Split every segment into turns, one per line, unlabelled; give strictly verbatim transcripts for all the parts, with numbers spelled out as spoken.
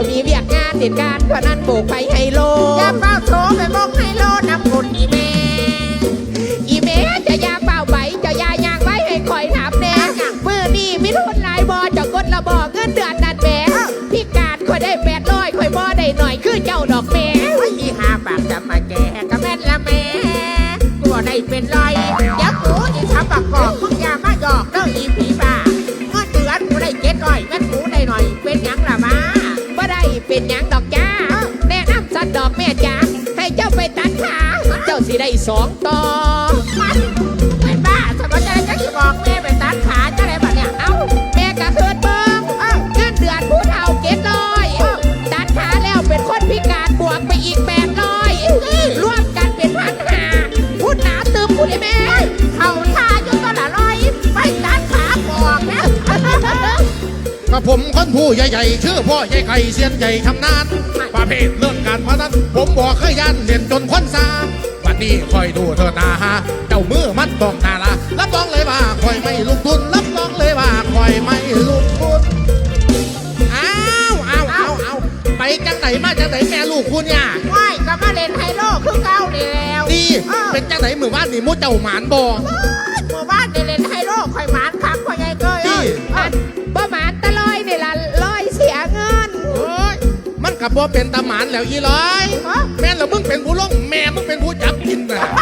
มีเวียกงานเหตุการณ์พนันโบกไปไฮโล
อย่าเฝ้าโถไปมองไฮโลน้ำคุณอีเม
อีเมจะยาเป่าไปจะยายางไว้ให้คอยถามแน่มือนี่มิทุนลายบอจะกดระบอกเงินเดือนนัดแม่พิการคอยได้แปดร้อยคอยบอได้หน่อยคือเจ้าดอกแม่
อีหาปากจะมาแก่กะแม่นละแม่ตัวได้เป็นรอยยักษ์กูอีทำปากกอกมึงอย่ามาหยอกเด้ออีผีบ้าเงินเดือนกูได้เจ็ดร้อยเงินกูได้หน่อยเป็นยังละมา
บ่ได้เป็นยังดอกจ้าแนะนำสัตว์ดอกแม่จ้าให้เจ้าไปตัดขาเจ้าสิได้สองต่อ
เป็นบ้าสมมติจะจะที่บอกแม่ไปตัดขาจะได้แบบเนี้ย
เอ้าแม่กะเคิดเบิ้งเงินเดือนผู้เฒ่าเจ็ดร้อยตัดขาแล้วเป็นคนพิการบวกไปอีกแปดร้อยรวมกันเป็นพันห้าพูดหนาตึมพูดได้แม่
เขาทาอยู่ตลอดร้อยไปตัดขาบอกนะ
กระผมคนผู้ใหญ่ๆชื่อพ่อใหญ่ไก่เสียนใหญ่ทำนานประเภทเรื่องการพนันผมบอกเคยยันเด่นจนคนซาวันนี้คอยดูเธอนาฮะเจ้ามือมันต้องนาละรับรองเลยว่าคอยไม่ลุกทุนรับรองเลยว่าคอยไม่ลุกทุนอ้าวอ้าวอ้าวอ้าวไปจังไหนมาจังไหนแม่ลูกคุณเนี่ย
ว่ายก็มาเล่นไฮโลคือเก่านี่แล้ว
ดีเป็นจังไหนมือบ้านนี่มุดเจ้าหมานบ่
มือบ้านนี่เล่นไฮโลคอยหมานคักคอยใหญ่เกย
บ่หมานตะลอยนี่ละลอยเสียเงิน
โอ้ยมันกับบ่เป็นตาหมานแล้วยี่ร้อยแม่แล้วมึงเป็นผู้ลงแม่มึงเป็นผู้จับกินน่ะ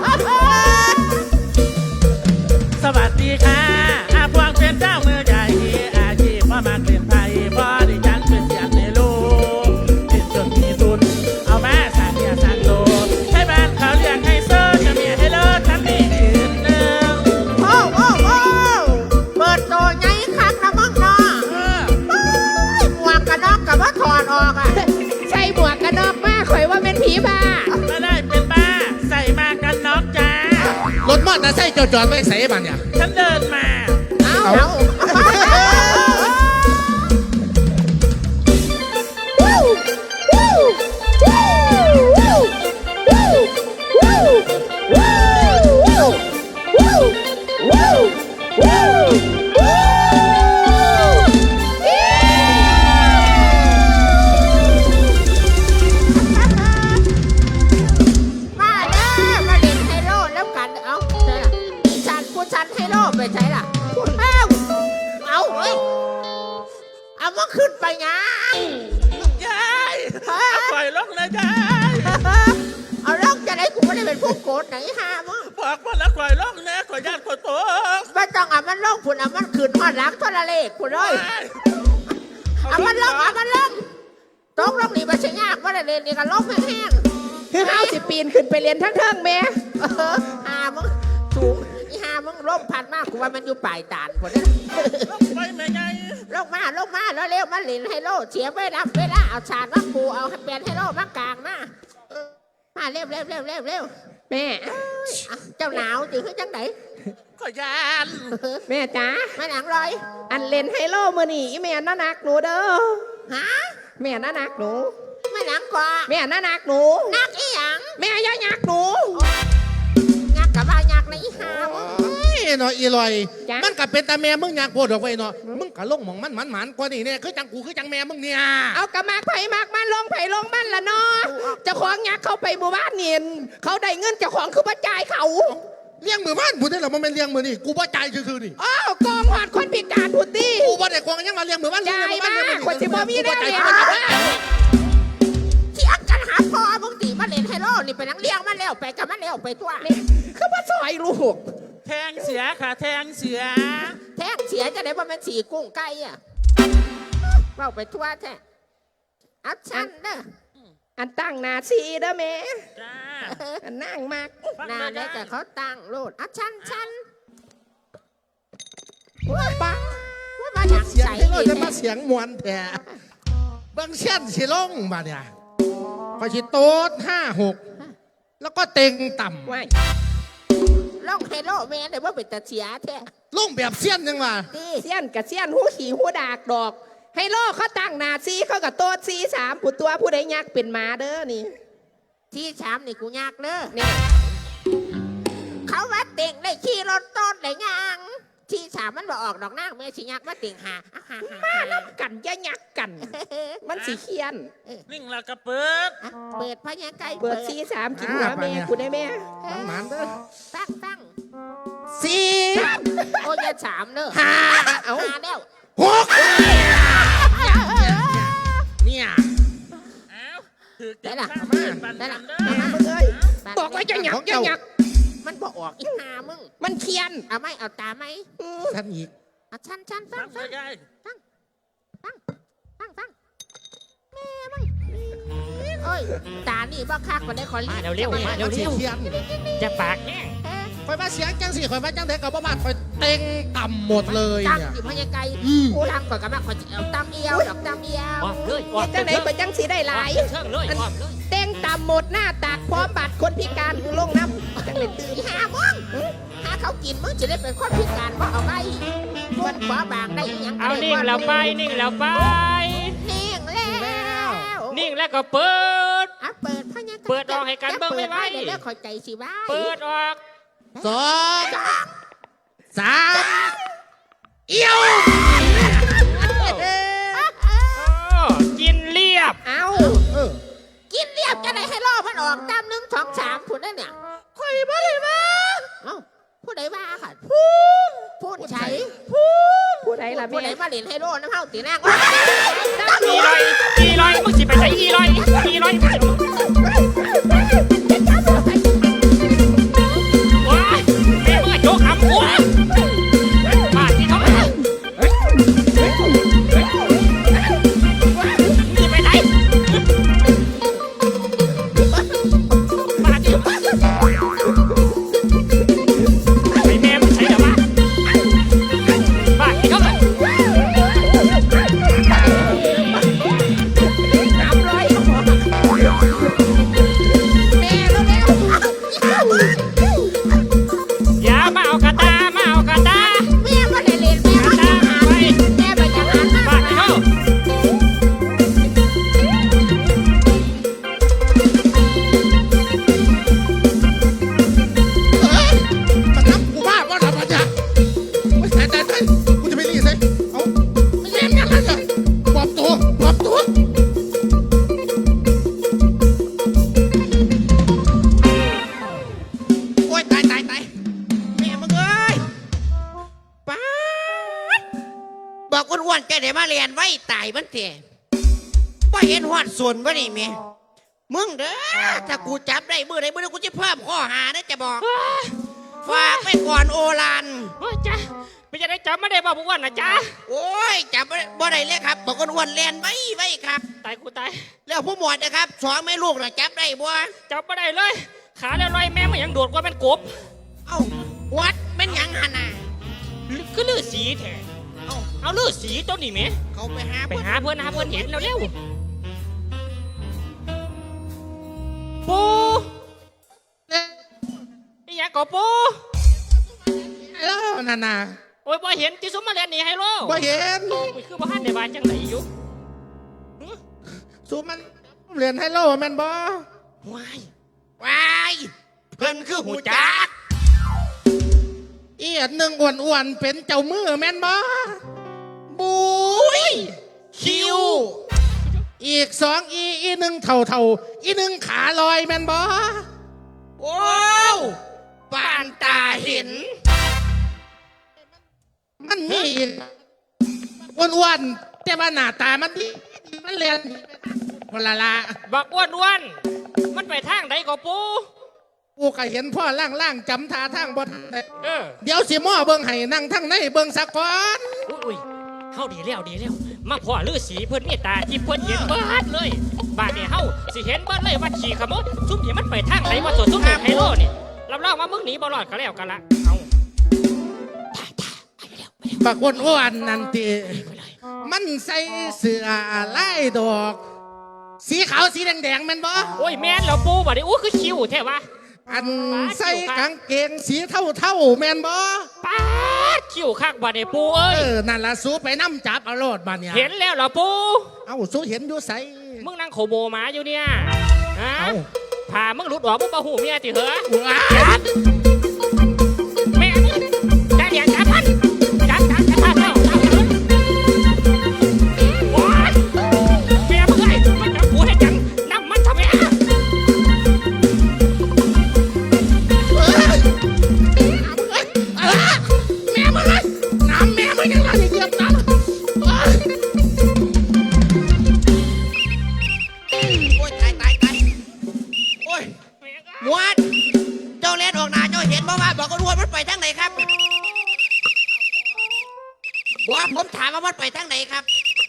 สวัสดีค่ะอาพวงเป็นเจ้ามือใหญ่อาชีพพ่อมาเปลี่ยนไทยพ่อดิฉันเป็นเสียงในโลกติดจนมีทุนเอามาสร้างเมียสร้างโลให้บ้านเขาเรียกให้เซอร์จะเมียให้เลิศทั้งนี้ยืนหนึ่ง
โอ้โอ้โอ้เปิดโตไงคักนะมึงเนาะหมวกกันน็อกกับว่าถอดออกอ่ะ
ใส่หมวกกันน็อกมาข่อยว่าเป็นผีบ้า
ไม่ได้เป็นบ้าใส่มากันน็อกจ้าร
ถมอเตอร์ไซค์จอดๆไม่ใส่บ้านเนี่ย
ฉันเดินมา
เอาเอาไปใช่ล่ะเอาเอาเฮ้ยเอามาขึ้นไปไง
ยายเอาปล่อยลงเลยยาย
เอาลงจะได้กูไม่ได้เป็นผู้โกรธไหนฮะมึง
บอกว่าแล้วปล่อยลงนะขอญาติขอโทษ
ไม่ต้องเอามันลงคุณเอามันขึ้นมาหลังทรเลขคุณเลยเอามันลงเอามันลงตกลงนี่มันใช่ยากว่าได้เรียนนี่ก็ลงแห้ง
คือเฮาสิปีนขึ้นไปเรียนทั้งเทิงแม่
อ่ามึงสูงอีหามึงร่มพันมากกูว่ามันอยู่ปลายตานคนนี้
ไปแม่ไง
ลงมาลงมาแล้วเร็วมาหลินไฮโลเสียไม่รับเวลาเอาชาดมาปูเอาเปลี่ยนไฮโลมากลางมามาเร็วเร็วเร็วเร็วเร็ว
แม่
เจ้าหนาวจืดจังไหน
ขอยาน
แม่จ๋า
ไม่หนังเลย
อันเล่นไฮโลมือนี่แม่น่านักหนูเด้อ
ฮะ
แม่น่านักหนู
ไม่หนังกว่า
แม่น่านักหนู
นักอีหยัง
แม่ย่านักหนู
งักกับว่างักในอีหา
เนาะอีลอยมันกับเป็นตาแม่มึงอยากโพดออกไปเนาะมึงกับลงมองมันมันมันกว่านี่เนี่ยคือจังกูคือจังแม่มึงเนี่ย
เอากระมากไผ่มากมันลงไผ่ลงมันละเนาะเจ้าของยักเข้าไปหมู่บ้านเนียนเขาได้เงินเจ้าของคือป้าจ่ายเขา
เลี้ยงมือบ้านพูดได้หรอมันเป็นเลี้ยงมือนี่กูป้าจ่ายคือๆนี่
อ้าวกองหอดคนพิการพูดดิ
กูป้าได้กองยังมาเลี้ยงมือบ้าน
จ่ายมากคนที่บ่มีได้เลย
เถียงกันหาพอมึงตีมาเล่นไฮโลนี่ไปนั่งเลี้ยงมาแล้วไปกับมาแล้วไปตัว
นี่คือว่าซอยลูก
แทงเสียค่ะแทงเสีย
แทงเสียจะได้ว่ามันสีกุ้งไก่อ่ะเราไปทั่วแท้อัดชันเด้อ
อันตั้งนาซีเด้อแม่จ้าอันนั่งมาก
นาได้แต่เขาตั้งโลดอัดชันชัน
ว้าป้า
ว่ามาอย่าง
เสียง
ให้
เราจะมาเสียงมวนแท้บางเช่นสิลงมาเนี่ยพอชิโต๊ดห้าหกแล้วก็เต็งต่ำ
ล่องไฮโลแม่เลยว่าเป็นตาเสียแท้
ล่องแบบเสี้ยนยังมา
เสี้ยนกับเสี้ยนหูขี่หูดากดอกไฮโลเขาตั้งนาซีเขากับโต๊ดซีสามผู้ตัวผู้ใดยักเป็นมาเด้อนี่
ที่สามนี่กูยากเด้อเนี่ยเขาว่าเต็งได้ขี่รถต้นได้ยังที่สามมันบอกออกดอกนางเมื่อสิยักมาติ่งหาอ่ะหาหา
มา
หา
นับกันอย่ายักกัน มันสิเคียน
นิ่งแล้วก็เปิด
อ่ะเปิดพญาไก่
เปิดซีสามกินหัวแม่กูได้แม่
มันหมันเด้อ
ตั้งตั้ง
สี่
โอ้ยอย่าสามเด้อ
ห้าเอา
หาแล้ว
หกเนี่ย
เอ้าถือ
ได้
จับ
ล่ะ
ข้ามเปิดปัน
ได้
กั
ล่ะ
นเด้
มา
อ
มึงเอ้ยบอกว่าจะยักจะยัก
มันบอกออกอีหามึง
มันเคียน
เอาไหมเอาตาไหม
ท่านอีก
เอาชันชันฟัง
ทำ
ฟัง
ใกล้
ฟังฟังฟังแม่มึงโอ้ยตานี่บ้าคักกว่าได้ขอ
มา
รีบ
เร็วๆมาเร็ว
เสียเทียน
ๆจะปากแห้ง
คอยมาเสียงจังสิคอยมาจังเด็กกับบ้านคอยเต็งต่ำหมดเลย
ตั้ง
เนี่ย
อยู่พญาไก่
อืม
กูทำก่อนกับแม่ขอจะเอาตั้มเอียวดอกตั้มเอียว
ออกเลยออก
จังไหนไปจังสีได้หลาย
เชิงเลยออกเลย
เต้งตามหมดหน้าตากพร้อมบัตรคนพิการลงน้ำจังเลยตื่น
อีหามึงหาเขากินมึงจะได้เป็นคนพิการว่าเอาไว้มันขวาบางได้อีหยังก็
เอา
ได้
นิ่งแล้วไปนิ่งแล้วไป
นิ่งแล้ว
นิ่งแล้วก็เปิด
อ่ะเปิดพญาไก่
เปิดออกให้กันเบิ่งไว้ไว้
เดี๋ยวเดี๋ยวขอใจสิไว้
เปิดออก
สองสามเอี้ยว
โอ้กินเรียบ
เอา
เออ
กินเรียบจะได้ให้ล่อมันออกตามหนึ่งสองสามพูดได้เนี่ยใครบ้าเลยบ้าเอ้าผู้ใดบ้าค่ะพูดพูดใช้
ผู้ใดล่ะ
ผู้
แม่
ใดมาเล่นให้โล่น้ำเฮาตีนาง
อีลอยอีลอยมึงสิไปใส่อีลอยอีลอยว้ายแม่มึงอะโจกขำหัวบาดที่เขาไปมึงไปไหนบาดที่ไอ้แม่มึงใส่เดี๋ยวมาบาดที่เขาไป
สามร้อยแม่แล้วแล้ว
อย่ามาเอากระตามาเอากระตา
แม่มาได้เล่นแม่
กระ
มา
ตามาไป
แม่ไปจังหันมา
บาดที่เขา
เอ้ยมันนับกูบ้าว่าทำอะไรไม่ใช่แต่แต่กูจะไปรีดเลยเอาไม่เล่นกันแล้วจ้ะปลอบตัวปลอบตัวโอ้ยตายตายตายแม่มึงเอ้ยป้าดบอกอ้วนๆแกเดี๋ยวมาเรียนไว้ตายมันเถอะว่าเห็นหอดส่วนบ่นี่แม่มึงเด้อถ้ากูจับได้มือไหนมือนั้นกูจะเพิ่มข้อหานะจะบอก ฝากไปก่อนโอราน
โอ้ยจ้าไม่จะได้จำไม่ได้บอกพวกวันนะจ้า
โอ้ยจับบ่ได้บ่ได้เลยครับบอกคนอ้วนเรียนไว้ไว้ครับ
ตายกูตาย
แล้วผู้หมวดนะครับสองแม่ลูกนะจับได้บ่
จำไม่ได้เลย ขาแล้วลอยแม่มันยังโดดกว่าเป็นกบ
เอ้าวัดเป็นหยังหันน่ะ
ก็ลือสีแท้เอาเอาลือสีตัวนี้ไหม
เขาไปหา
ไป
เพิ่น
หาเพื่อนหาเพื่อนเห็นแล้วเร็วปู ไอ้หยังก็ปู
แล้วนั่นน่ะ
โอ้ยบ่เห็นที่สมมาเรียนนี่ไฮโล
บ่เห็น
โอ้ยคือบ่ฮันในบ้านจังไหนอยู่
สูมันเรียนไฮโลแม่นบ่
ว้าย
วายเพิ่นคือหูจักอีอันหนึ่งอ้วนๆเป็นเจ้ามือแม่นบ่บุยคิว อีกสองอีอีหนึ่งเท่าเท่าๆอีหนึ่งขาลอยแม่นบ่โอ้วปานตาเห็น มันมีอีกอ้วนๆแต่ว่าหน้าตามันดีมันเรียนคนละละ
บักอ้วนอ้วนๆมันไปทางใดก็ปู
กูก็เห็นพ่อล่างๆจำท่าทางบนได้
เออ
เดี๋ยวสิหม้อเบิ่งให้นั่งทั้งในเบิ่งสักก่อน
อุ้ยอุ้ยเฮาดีแล้วดีแล้วมาพ่อฤาษีเพิ่นมีตาที่เพิ่นเห็นเบิดเลยบาดนี้เฮาสิเห็นเบิดเลยว่าขี่ขโมยซุ่มนี่มันไปทางไหนว่าตัวซุ่มนี่ไฮโลนี่รับรองว่ามึงหนีบ่รอดก็แล้วกันละเอา
บักอ้วนๆนั่นติมันใส่เสื้อลายดอก สีขาวสีแดงๆแม่นบ่
โอ้ยแม่นแล้วปูบัดนี้อู้คือคิวแท้วะ
อันใส่กางเกงสีเท่าๆแม่นบ่
ป๊าดคิวคักบัดนี้ปูเอ้
เอย อนั่นล่ะสู้ไปน้ำจับเอาโลดบัดเนี่ย
เห็นแล้วเหรอปู
เอ้าสู้เห็นอยู่ใส
มึงนั่งโขโมหมาอยู่เนี่ยฮะ
เอ้า
ผ่ามึงหลุดออกมึงบ่หูเมียติเหรอ
ว้า
แม่ได้เรียนสามพัน
หมวดเจ้าเล่นออกหน้าเจ้าเห็นบ่ว่าบอกกันว่ามันไปทางไหนครับบัวผมถามว่ามันไปทางไหนครับ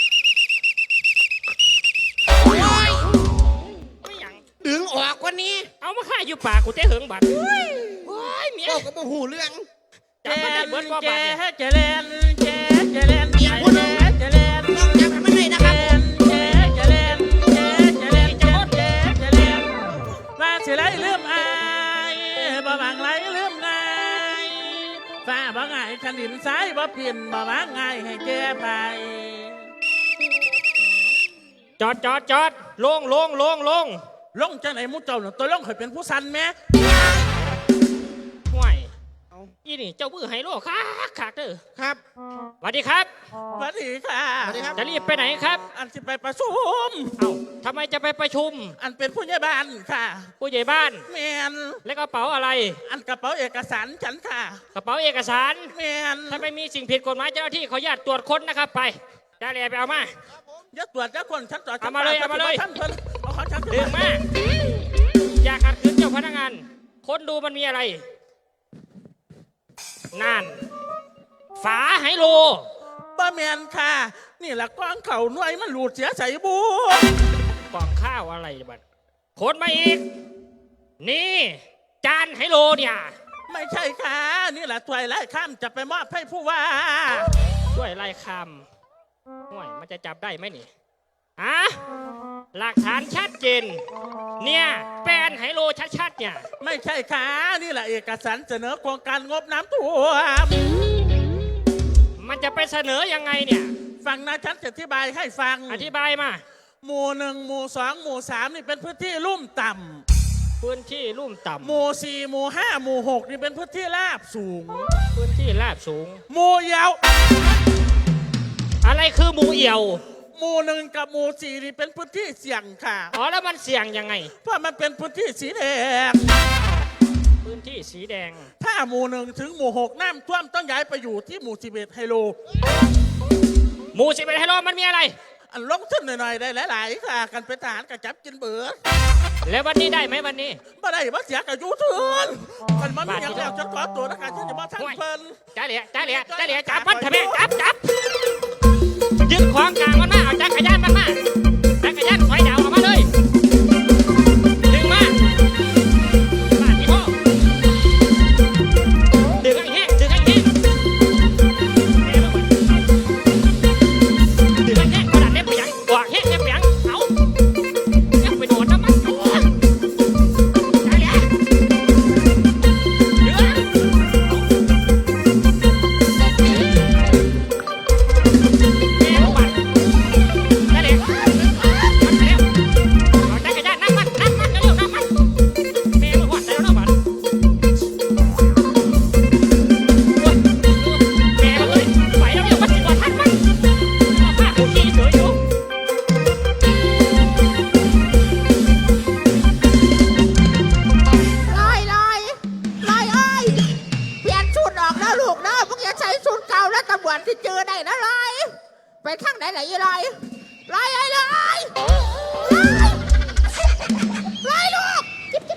โอ้ย
ไม่หยัง
ดึงออกกว่านี้
เอามาฆ่าอยู่ปากกูเต้เหิงบัดโอ้ยเมีย
โอ้ก็บ่หูเรื่อง
จำมันได้เบิดว่า
แจ
บาดเนี่ย
เจเลนแจเจเลนแจเจเลน
ต้องจำให้มันได้นะครับ
แจเจเลนแจเจเลนแจเจเลนว่าสิไรลืมอายบ่บางไรลืมง่ายฟ้าบ่ง่ายขันดินซ้ายบ่เปลี่ยนบ่บางง่ายให้แก้ไป
จอดจอดจอดลงลงลงลง
ลงจังไหนมุเจ้าเนี่ยตัวลงเคยเป็นผู้สันไหม
ห่วยอีนี่เจ้ามือไฮโลคักคักเด้อ
ครับ
สวัสดีครับ
สวัสดีค่ะ
สวัสดีครับ
จะรีบไปไหนครับ
อันสิไปประชุม
เอ้าทำไมจะไปประชุม
อันเป็นผู้ใหญ่บ้านค่ะ
ผู้ใหญ่บ้าน
แมน
และกระเป๋าอะไร
อันกระเป๋าเอกสารฉันค่ะ
กระเป๋าเอกสาร
แมน
ถ้าไม่มีสิ่งผิดกฎหมายเจ้าหน้าที่ขออนุญาตตรวจค้นนะครับไปได้เลยไปเอามา
อย่าตรวจอย่าคนฉันตรวจฉัน
เอามาเลยเอามาเลย
ท่านเพิ่นเอาของฉัน
ดึงมาอย่าขัดขืนเจ้าพนักงานค้นดูมันมีอะไรนั่นฝาไฮโล
ป้าแมนค่ะ นี่แหละกว้างเข่าหน่วยมันหลุดเสียใส่บู
กล่องข้าวอะไรบัดค้นมาอีก นี่ จานไฮโลเนี่ย
ไม่ใช่ค่ะ นี่แหละถวยไล่ข้ามจะไปมอบให้ผู้ว่า
ช่วยไล่คำห่วยมันจะจับได้ไหมนี่ฮะหลักฐานชัดเจนเนี่ยแปลนไฮโลชัดๆเนี่ย
ไม่ใช่ค่ะ นี่แหละเอกสารเสนอโครงการงบน้ำท่วม
มันจะไปเสนอยังไงเนี่ย
ฟังนะฉันจะอธิบายให้ฟัง
อธิบายมา
หมู่หนึ่งหมู่สองหมู่สามนี่เป็นพื้นที่ลุ่มต่
พื้นที่ลุ่ม
ำห
ต่ำ
มู่สี่หมู่ห้าหมู่หกนี่เป็นพื้นที่ราบสูง
พื้นที่ราบสูง
หมู่เยาว
อะไรคือหมูเอี่ยว
หมู่หนึ่งกับหมู่สี่นี่เป็นพื้นที่เสี่ยงค่ะ
อ๋อแล้วมันเสี่ยงยังไง
เพราะมันเป็นพื้นที่สีแดง
พื้นที่สีแดง
ถ้าหมู่หนึ่งถึงหมู่หกน้ำท่วมต้องย้ายไปอยู่ที่หมู่สิบเอ็ดไฮโล
หมูสิบเป็นไฮโลมันมีอะไร
อันลงทุนหน่อยๆได้หลายๆค่ะ กันเป็นทหารกับจับกินเบิด
แล้ววันนี้ได้ไหมวันนี้
บ่ได้มาเสียกับยูทูนมันมันมีอย่างแล้วฉันขอตัวนะคะฉันจะมาทั้งเพิ่น
จ้าเหลียจ้าเหลียจ้าเหลียจับมันทำไมจับจับยึดของกลางมันมาเอาจักรยานมันมาจักรยานถอยดาวออกมาเลยดึงมาบ้านที่พ่อดึงไอ้แห้งดึงไอ้แห้งแม่มาดึงไอ้แห้งกระดาษเล็บไปยังกวาดแห้งเล็บไปยังเอายังไปโดนน้ำมันตัวจ้าเหลียดึง แม่บัดนั่นเองมันเร็วเอาจักรยานนั่งมันนั่งมันเร็วนั่งมันแม่มันหวัดแล้วนะบัดแม่เลยไปแล้วเร็วมันสิว่าทันมันเอาผ้าผูกขี้เฉยอยู่
ลอยลอยลอยเอ้ยเปลี่ยนชุดออกแล้วลูกนะพวกอย่าใช้ชุดเก่าแล้วตำรวจที่เจอได้นะลอยไปทางไหนไหนลอยลอยลอยลอยลอยลูก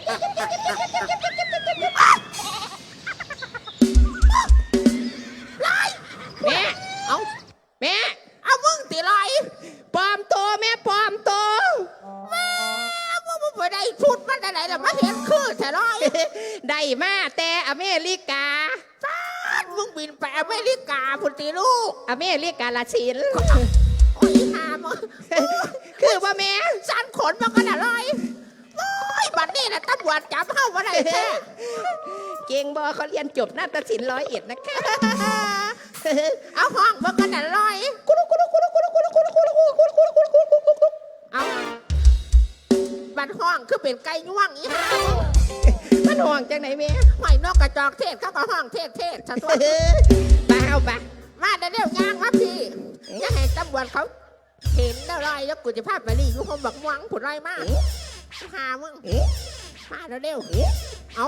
ลอยแม่เอาแม่เอามึงตีลอยปลอมตัวแม่ปลอมตัวแม่มึงมึงไปได้ชุดมันไหนล่ะมาเห็นคือแต่ลอย ได้มาแต่อเมริกาฟ้านมึงบินไปอเมริกาพุทธิลูก อเมริกาละชินโอ้ยหามึงคือว่าแม่สันขนมันกันอะไรโอ้ยบัดนี้นะตำรวจจับเข้ามาได้แท้เก่งบอเขาเรียนจบนาฏศิลป์ร้อยเอ็ดนะคะเอาห้องมันกันอะไรกุลุกุลุกุลุกุลุกุลุกุลุกุลุกุลุกุลุกุลุกุลุกุลุกุลุกุลุเอาบัดห้องคือเป็นไก่ย่วงอีห่ามันห่วงจังไหนเมียหอยนกกระจอกเทศเขาก็ห้องเทศเทศฉันตัวบ้าเอาบ้ามาเดี๋ยวเดี๋ยวย่างครับพี่อย่าให้ตำรวจเขาเห็นแล้วไรแล้วกูจะพาไปรีอยู่ห้องบักม่วงผุดไรมากหามึงมาเดี๋ยวเดี๋ยวเอา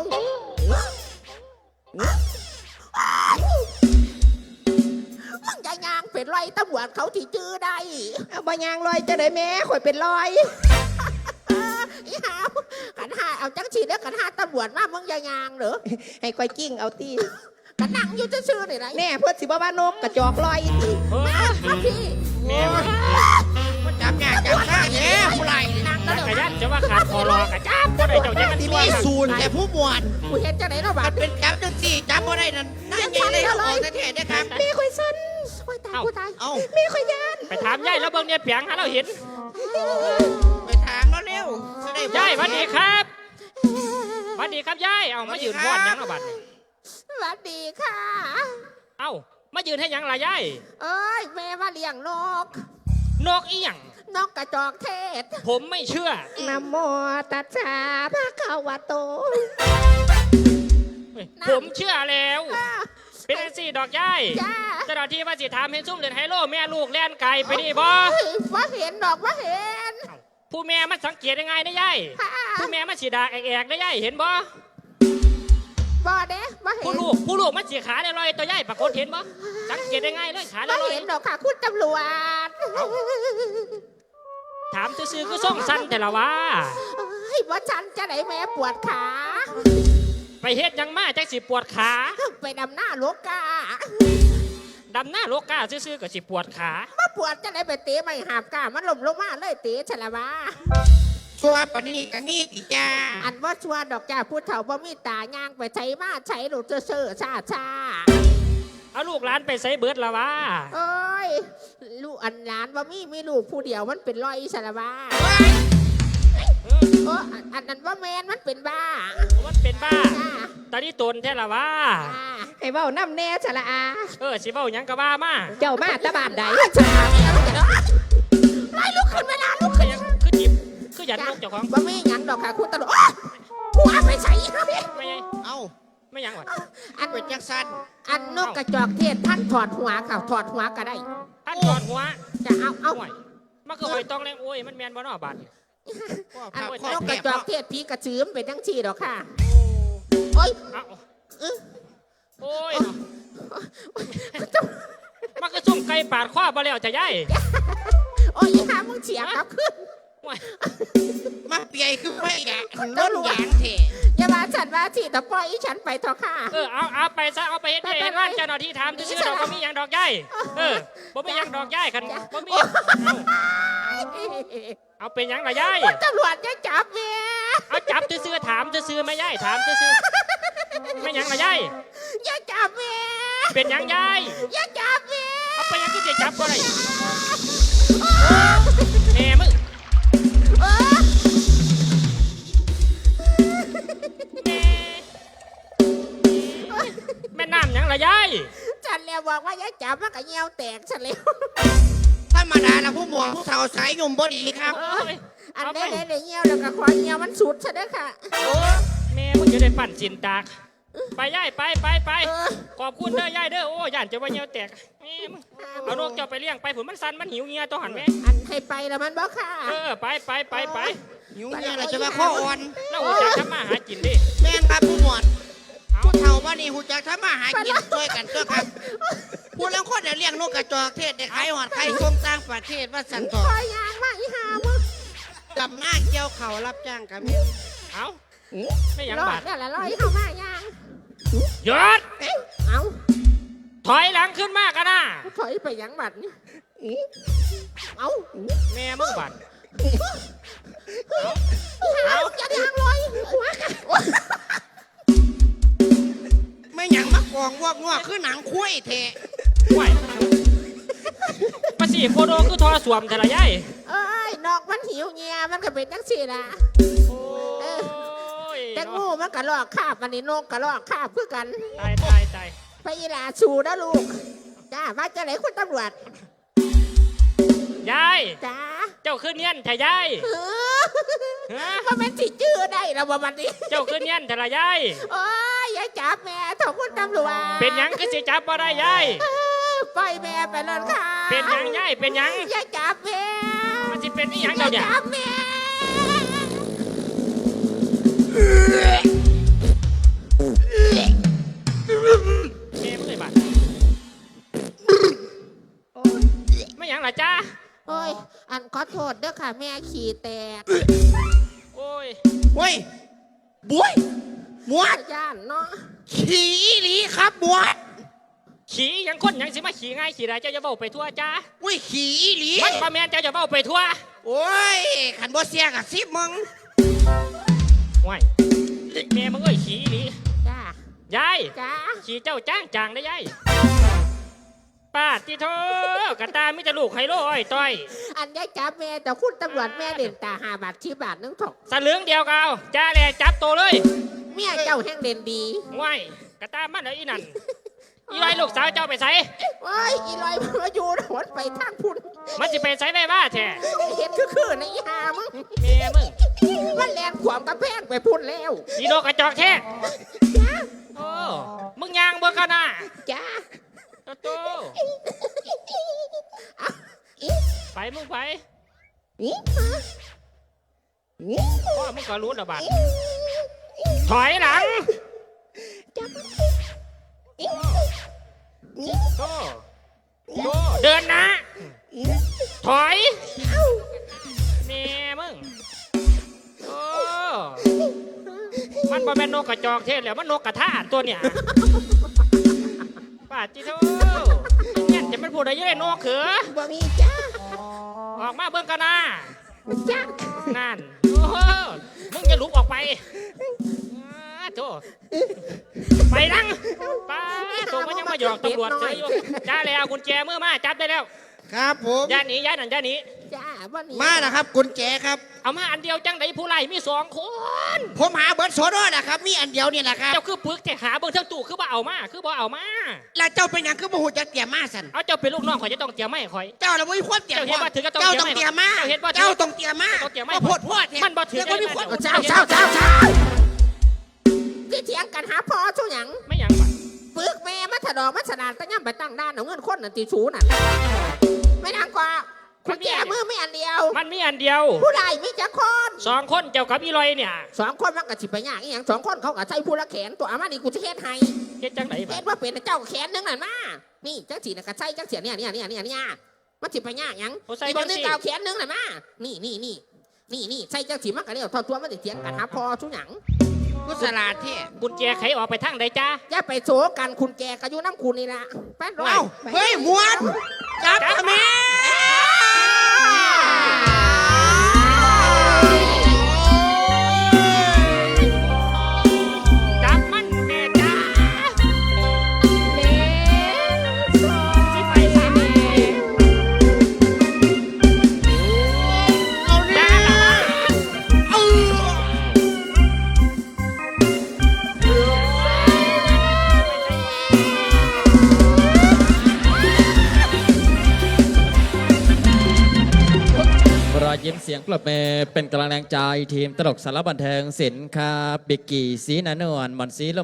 มึงจะย่างเป็นไรตำรวจเขาที่จื้อได้เอาบ่ย่างลอยจะได้แม่ข่อยเป็นรอยอีหาวขันหาเอา
เอาจังฉีดแล้วกันหาตำรวจมามึงอย่ายางเหรอ
ให้คอยกิ้งเอาตี
กันนั่งอยู่ซื่อๆนี่ไร
แน่เพื่อสิบ่ว่านกกระจอกลอยตี
เฮ้ย
มาพี่
แม่มึง
มันจับยากจับข้าแย่ผู้ไรนั่ง
จั
แล้ว
กร
เดี๋ยวย
านจะว่าขาดคอรอกระจับก็ได้เจ้าจะกัน
ที่
ตัว
มีศูนย์แต่ผู้หมวด
กูเห็นจังไหนเนาะบา
มั
ด
นเป็นจับจังสี่จับบ่ได้นั่นนั่นไงเลยเอาออกประเทศนะครับ
แม่คอยสั้น
โอ้ยตายกูตาย
เอา
แม่คอยยาน
ไปถามยายแล้วเบิ่งเนี่ยเปียงหาเราเห็น
ไปถามแล้วเร็วจะได้
ยายสวัสดีครับสวัสดีครับยายเอามายืนพอดหยังเอาบัดนี่
สวัสดีค่ะ
เอ้ามายืนให้หยังล่ะยาย
เอ้ยแม่ว่าเลี้ยงนก
นกอีหยัง
นกกระจอกเทศ
ผมไม่เชื่อ
นะโมตัสสะภะคะวะโต
ผมเชื่อแล้ว
อ่า
เป็นจังสี่ดอกยาย
จ้า
เจ้าหน้าที่ว่าสิถามให้ซุ่มเล่นไฮโลแม่ลูกแล่นไก่ไปนี่บ่
เฮ้ยว่าเห็นดอกว่าเห็น
ผู้แม่มันสังเกตยังไงนะยาย
ค่ะ
ผู้แม่มันสีดาแอกๆนะยายเห็นบ่
บ่เด้ว่าเห็
ผู้
น
ลูกผู้ลูกมันสีขาลอยๆตัวยายปรากฏเห็นบ่สังเกตยังไงเลยขาล
ว่า
อย
เห็นดอกค่ะคุณตำรวจ
ๆถามซื่อๆก็ส่งสั้นแต่ละว่า
เฮ้ยว่าฉันจะไหนแม่ปวดขา
ไปเฮ็ดหยังมาจักสิปวดขา
ไปดำหน้าโลกา
ดำหน้าโลกาซื่อๆก็สิปวดขา
มาปวดจะไหนไปเตะไม่หาบกามันหล่มลงมาเลยเตะฉละวะ
ชัวร์ปานนี้กันนี่ติจ้า
อันว่าชัวดอกจ้าพูดเถ่าบ่มีตาย่างไปใช้มาใช้หลุดเซ่อๆชาชา
เอาลูกหลานไปใส่เบิดละว่า
เอ้ยลูกอันหลานบ่มีมีลูกผู้เดียวมันเป็นรอยฉละวะเอออันอันนั้นว่าแมนมันเป็นบ้า
มันเป็นบ้า
จ้า
ตอนนี้ตนแท้ละว่า
จ้า
ให้เว้าน้ำแน่ฉละอา
เออสิเว้าหยังก็ว่ามา
เจ้ามาตะบานใด
ไม่ลุกขึ้นไม่นานลุก
คื
ขึ้
อน ยังคือจิบคือหยันนกเจ้าของ
บ่มีหยังดอกค่ะคุณตำรวจโอ๊ยหัวไปใส่ครับพี่
ไม่ไง
เอา
ไม่หยังหวะ
อัน
เป็นจังสัน
อันนกกระจอกเทศท่านถอดหัวค่ะถอดหัวก็ได้
ท่านถอดหัว
จะเอาเอา
ห่วยมันก็หอยต้องแรงโอ้ยมันแมนบ่เนอบาด
อัน
พ่อน
กก
แผ
ระ
บ
จอก
เนาะ
เทศผีกระชืมเป็นทั้งชีดอกค่ะโอ้ย
เอา
เออ
โอ้ยมันก็ซุ่มไก่ปาดข้อบ่แล้วจะย่าย
โอ้ยอีหามึงเฉียบครับขึ้น
ห่วย
มาเปียคือไม่แกะล้นหยางเถะ
อย่ามาฉันว่าฉีดแต่ปล่อยอีฉันไปเถอะค่ะ
เออเอาเอาไปซะเอาไปเฮ็ดให้ร้านเจ้าหน้าที่ถามซื่อๆดอกบ่มีหยังดอกย่ายเออบ่มีหยังดอกย่ายคันบ่มีเอาเอาเป็นหยังล่ะย่าย
ตำรวจจะจับเมีย
เอาจับซื่อๆถามซื่อๆไหม่ย่ายถามซื่อๆไม่หยังล่ะย่าย
อย่าจับเมีย
เป็นหยังย่าย
อย่าจับเมีย
เอาไปหยังก็จะจับบ่ได้แหม่มึง
เออ
แหม่แม่น้ำหยังล่ะย่าย
ฉันแล้วบอกว่าอย่าจับมันก็เหี่ยวแตกฉันแล้ว
ธรรมดาแล้วผู้หมวดผู้เฒ่าสายยุ่มบ่ดีครับ
เอ้ย
อัน
เอาไป
นี้ได้เหี่ยวแล้วก็คอเหี่ยวมันสุดฉันนะค่ะ
แม่มึงจะได้ปั่นจินตากไปย่ายไปไปไป
เออ
ขอบคุณเด้อย่ายเด้อโอ้ย่านจะว่าเหี่ยวแตกแม่มึงเอานกเจ้าไปเลี้ยงไปผุนมันสันมันหิวเงียตัวหันแม่
อันให้ไปแล้วมันบอกค่ะ
เออไปไปไปไป
หิวเนี่ยเราจะมาข้ออ่อน
แล้วหูจักทำมาหากินดิ
แม่นครับผู้หมวด
เอา
ผู้เฒ่าว่านี่หูจักทำมาหากินช่วยกันก็ครับผู้แล้วคนเนี่ยเลี้ยงนกกระจอกเทศได้ขายหอดไข่ส่งต่างประเทศว่าสันต่อ
คอยยางมาอีหามึง
กับหน้าเกี่ยวเข่ารับจ้างกับเมีย
เอาไม่หยัง
รอด
บาด
เนี่ยแหละรอดเข้ามายาง
หยศ
เอา
ถอยหลังขึ้นมากกันนะ
ถอยไปหยังบัดนี่เอา
แม่มึงบาด
เอาจะยางลอยหัวกัน
ไม่หยังมากองวอกงอกคือหนังคุ้ยเทะ
ไหวมาสี่โคโดคือทอสวมแต่ละย่าย
เอ้ยนอกมันหิวเงียมันก็เป็นจังสี่ละ
โอ้ย
แต่งูมันก็ลอกคาบมันนี่นกก็ลอกคาบเพื่อกัน
ตายตายตาย
ไปอีหลาชูนะลูกจ้าว่าจะไหนคุณตำรวจ
ยาย
จ้า
เจ้าขึ้นเนียนแต่ยาย
เออ
ฮะ
ว่าเป็นสิจื้อได้แล้วว่ามันนี่
เจ้าขึ้นเนียนแต่ละยาย
โอ้ยอย่าจับแม่ถอคุณตำรวจ
เป็นหยังคือสิจับบ่ได้ยาย
เออปล่อยแม่ไปเลยค่ะ
เป็นหยังยายเป็นหยัง
อย่าจับแม่
มันสิเป็นอีหยัง
อย่า
เดี๋ยวเนี่ย
จับแม่
แม่มึงเลยบาดไม่หยังล่ะจ้า
โอ้ยอันขอโทษเด้อค่ะแม่ขี่แตก
โอ้ย
เว้ยบุ้ยหมวด
ย่านเนาะ
ขี่อีหลีครับหมวด
ขี่หยังคนหยังสิมาขี่ง่ายขี่ได้เจ้าจะเบ้าไปทั่วจ้า
อุ้ยขี่อีหลี
มันประแมนเจ้าจะเบ้าไปทั่ว
โอ้ยขันบ่เสียกับซิบมึง
ว้ายแม่มึงเอ้ยขี่อีหลี
จ้าย
าย
จ้า
ขี่เจ้าจ้างจางได้ยายป้าที่โทกระตามิจะลูกไฮโลอ้อยต้อย
อันยายจับแม่แต่คุณตำรวจแม่เด่นตาหาบาทชีบาทนึงถก
สลึงเดียวเกเอาจ้าแหละจับตัวเลย
เมียเจ้าแห่งเด่นดี
ว้ายกระตามันเหรออีนั่นอีไรลูกสาวเจ้าไปใส่
โอ้ยอีลอยมาอยู่หนไปทางพุ่น
มันจะไปใส่ได้บ้าแท้
เห็นคือคือในอีหามึง
เมียมึง
มันแลนขวามกระแพงไปพุ่นแล้ว
อีโดกระจอกแท้โอ้มึงยางเบิ่งกันนะ
จ้า
โตโตไปมึงไป
อี
พ่อมึงก็รู้ระบาดถอยหลังโตโตเดินนะถอยเมียมึงโอ้มันบ่แม่นนกกระจอกเทศแล้วมันนกกระทาตัวเนี่ยป้าจิโตเนี่ยจะเป็นผู้ใดยังไงนกเขือ
บ่มีจ้า
ออกมาเบิ่งกันนะ
จ้า
นั่นโอ้โหมึงจะลุกออกไปอ้าโธ่ไปนั่งป้าโตัวมันยังมาหยอกตำรวจเจออยู่จ้าแล้วกุญแจมือมาจับได้แล้ว
ครับผม
ย่าหนีย่านั่นย่าหนี
จ้าบ่หนี
มานะครับกุญแจครับ
เอามาอันเดียวจังไดผู้ไล่มีสองคน
ผมหาเบิร์ดโซโดนะครับมีอันเดียวนี่แหละครับ
เจ้าคือปึกแต่หาเบิ่งทั้งตู้คือบ่เอามาคือบ่เอามา
แล้วเจ้าเป็นหยังคือบ่หูจะเตรียมมาสัน
เอาเจ้าเป็นลูกน้องข่อยจะต้องเตรียมไม่ข่อย
เจ้าเราไม่มีความเตรียม
เจ้าเห็นว่าถือก็ต้อง
เจ้าต้องเตรียมมา
เจ้าเห็นว่าถือ
เจ้าต้องเตรียมมา
ต้องเตรียมมา
บ่โพดโพดเนี่ย
มันบ่ถือ
แล้วก็มีความ
ได้
เจ้าเจ้าเจ้าเจ้าที่เถียงกันหาพอทุกหยัง
ไม่หยังบ่
ปึกแม่มัถดอกมัสนานตั้งย่ำไปตั้งด้านเอาเงินคนน่ะตีชูน่ะไม่นางกว่าคุณแจมือไม่อันเดียว
มันมีอันเดียว
ผู้ใดมีจักคน
สองคนเจ้ากับอีลอยเนี่ย
สองคนมันก็สิไปยากอีหยังสองคนเขาก็ใช้ผู้ละแขนตัวอามานี่กูจะเฮ็ดให้
เฮ็ดจังได
เฮ็
บ่
ดว่าเป็นเจ้าแขนนึงนั่นมานี่จังสีน่ะก็ใช้จังเสียเนี่ยเนี่ยเนี่ยเนี่ยเนี่ยมันสิไปยากหยัง
โอ้ใส่
อีก
จั
คน
ง
นึง
สิ
เก่าแขนนึงนั่นมานี่นี่นี่นี่นี่ใช้จังสีมันก็เรียกทอดตัวมันสิเถียงกันหาพอทุกหยัง
กุศลาดที่
กุญแจไขออกไปทางใดจ้า
อย่าไปโศกันคุณแกก็อยู่น้ำคุณนี่ละแป๊ดร้อย
เอ้าเฮ้ยหมวดจับทำไม
จับมันแม่จ้าสิไปใส่แม่จ้า
รอยยิ้มเสียงปรบมือเป็นกำลังแรงใจทีมตลกสารบันเทิงศิลป์ครับบิกกี้สีนานวลหมอนสีลม